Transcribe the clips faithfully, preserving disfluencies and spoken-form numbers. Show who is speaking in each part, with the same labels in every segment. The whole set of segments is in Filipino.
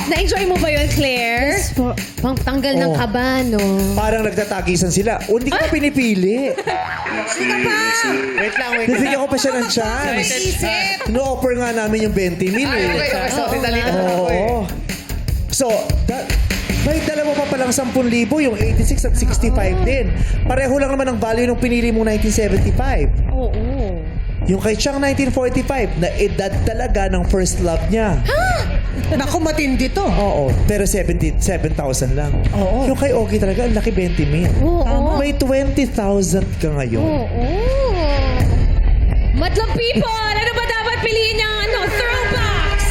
Speaker 1: Na-enjoy mo ba yun, Claire?
Speaker 2: Yes po.
Speaker 1: Pang tanggal ng
Speaker 3: Oh.
Speaker 1: kaba, no?
Speaker 3: Parang nagtatagisan sila. O, hindi ko pa pinipili.
Speaker 4: Wait lang, wait lang.
Speaker 3: Bibigyan ko pa siya ng chance.
Speaker 1: Isip!
Speaker 3: No-offer nga namin yung twenty mil
Speaker 4: Ay,
Speaker 3: eh.
Speaker 4: okay, okay. Sorry,
Speaker 1: Oo,
Speaker 4: dali na
Speaker 1: nga.
Speaker 4: ako eh.
Speaker 3: Oo. So, da- may dalawa pa palang ten thousand, yung eighty-six at sixty-five din. Pareho lang naman ang value nung pinili mong nineteen seventy-five.
Speaker 1: Oo.
Speaker 3: Yung kay Chang nineteen forty-five, na edad talaga ng first love niya.
Speaker 2: Naku, matindi to.
Speaker 3: Oo, pero seventy-seven thousand lang.
Speaker 2: Oo.
Speaker 3: Yung kay Ogie talaga, ang laki twenty mil.
Speaker 1: Oo.
Speaker 3: May twenty thousand ka ngayon.
Speaker 1: Oo. Madlang people! Ano ba dapat piliin niyang ano? Throwbacks!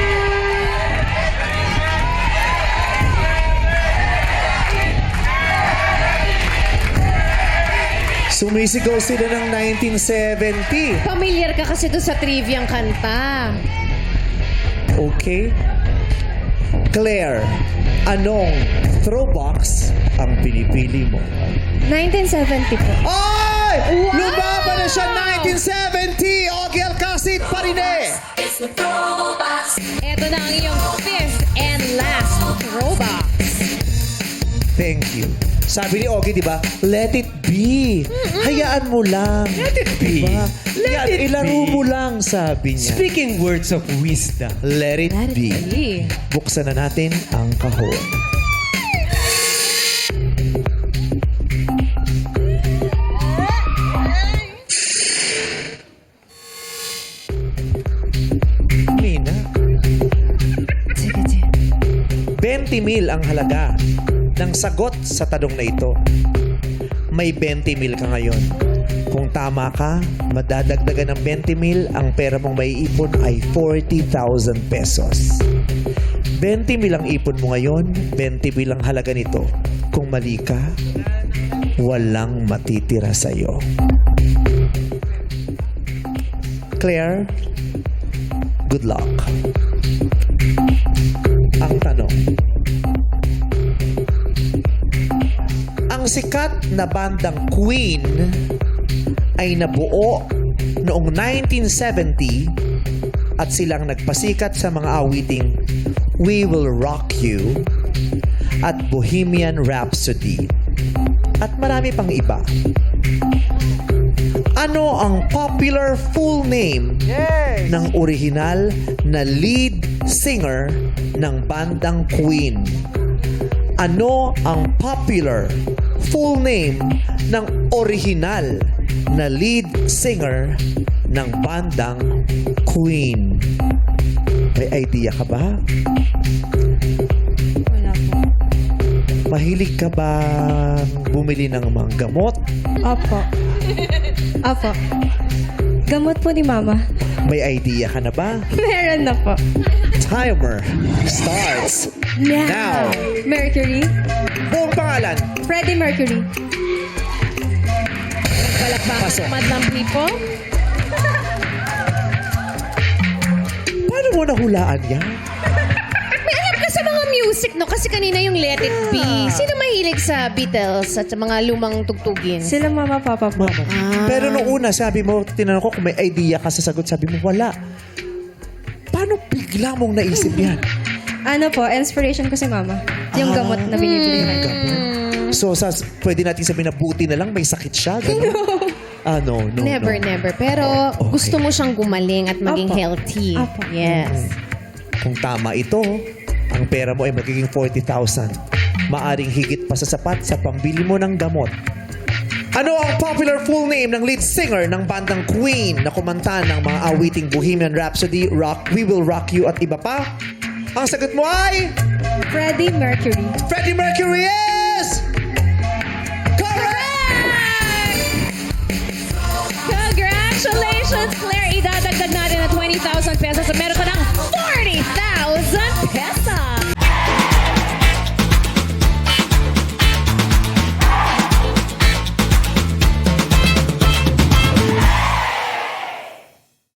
Speaker 3: Sumisigaw sila ng nineteen seventy.
Speaker 1: Familiar ka kasi doon sa triviang kanta.
Speaker 3: Okay? Claire, anong throwbox ang pinipili mo?
Speaker 2: nineteen seventy po.
Speaker 3: Ay!
Speaker 1: Wow!
Speaker 3: Lumaban na siya nineteen seventy! Ogie Alcacid pa rin eh!
Speaker 1: Ito na ang iyong fifth and last throwback.
Speaker 3: Thank you. Sabi ni Ogie, di ba? Let it be. Hayaan mo lang.
Speaker 4: Let it be.
Speaker 3: Diba?
Speaker 4: Let
Speaker 3: Yan,
Speaker 4: it
Speaker 3: ilaro
Speaker 4: be.
Speaker 3: mo lang, sabi niya.
Speaker 4: Speaking words of wisdom.
Speaker 3: Let it,
Speaker 1: Let it
Speaker 3: be.
Speaker 1: be.
Speaker 3: Buksan na natin ang kahon. Mina. twenty mil ang halaga ng sagot sa tanong na ito. May twenty mil ka ngayon. Kung tama ka, madadagdagan ng twenty mil, ang pera mong maiipon ay forty thousand pesos. twenty mil ang ipon mo ngayon, twenty mil ang halaga nito. Kung mali ka, walang matitira sa'yo. Claire, good luck. Ang tanong, ang sikat na bandang Queen ay nabuo noong nineteen seventy at silang nagpasikat sa mga awiting We Will Rock You at Bohemian Rhapsody at marami pang iba. Ano ang popular full name
Speaker 4: Yes!
Speaker 3: ng orihinal na lead singer ng bandang Queen? Ano ang popular full name ng orihinal na lead singer ng bandang Queen? May idea ka ba?
Speaker 2: Wala po.
Speaker 3: Mahilig ka ba bumili ng mga gamot?
Speaker 2: Opo. Opo. Gamot po ni Mama.
Speaker 3: May idea ka na ba?
Speaker 2: Meron na po.
Speaker 3: Timer starts now.
Speaker 2: Mercury.
Speaker 3: Buong pangalan.
Speaker 2: Freddie Mercury.
Speaker 1: Palakpakan
Speaker 3: Pasok.
Speaker 1: ng madlang people.
Speaker 3: Paano mo nahulaan yan?
Speaker 1: May alam ka sa mga music, no? Kasi kanina yung Let It Be. Sino mahilig sa Beatles at sa mga lumang tugtugin?
Speaker 2: Sila Mama, Papa po.
Speaker 3: Mama.
Speaker 1: Ah.
Speaker 3: Pero nung una, sabi mo, tinanong ko kung may idea ka sa sagot, sabi mo, wala. Paano bigla mong naisip yan?
Speaker 2: Ano po, inspiration ko si Mama. Yung
Speaker 3: Ah.
Speaker 2: gamot na binibili niya.
Speaker 3: So, sa, pwede natin sabihin na buti na lang may sakit siya, gano'n? Ah, no, no,
Speaker 1: Never,
Speaker 3: no.
Speaker 1: never. Pero
Speaker 3: Okay.
Speaker 1: gusto mo siyang gumaling at maging
Speaker 2: Apo.
Speaker 1: healthy.
Speaker 2: Apo.
Speaker 1: Yes.
Speaker 3: Kung tama ito, ang pera mo ay magiging forty thousand. Maaring higit pa sa sapat sa pambili mo ng gamot. Ano ang popular full name ng lead singer ng bandang Queen na kumanta ng mga awiting Bohemian Rhapsody, Rock, We Will Rock You at iba pa? Ang sagot mo ay
Speaker 2: Freddie Mercury.
Speaker 3: Freddie Mercury is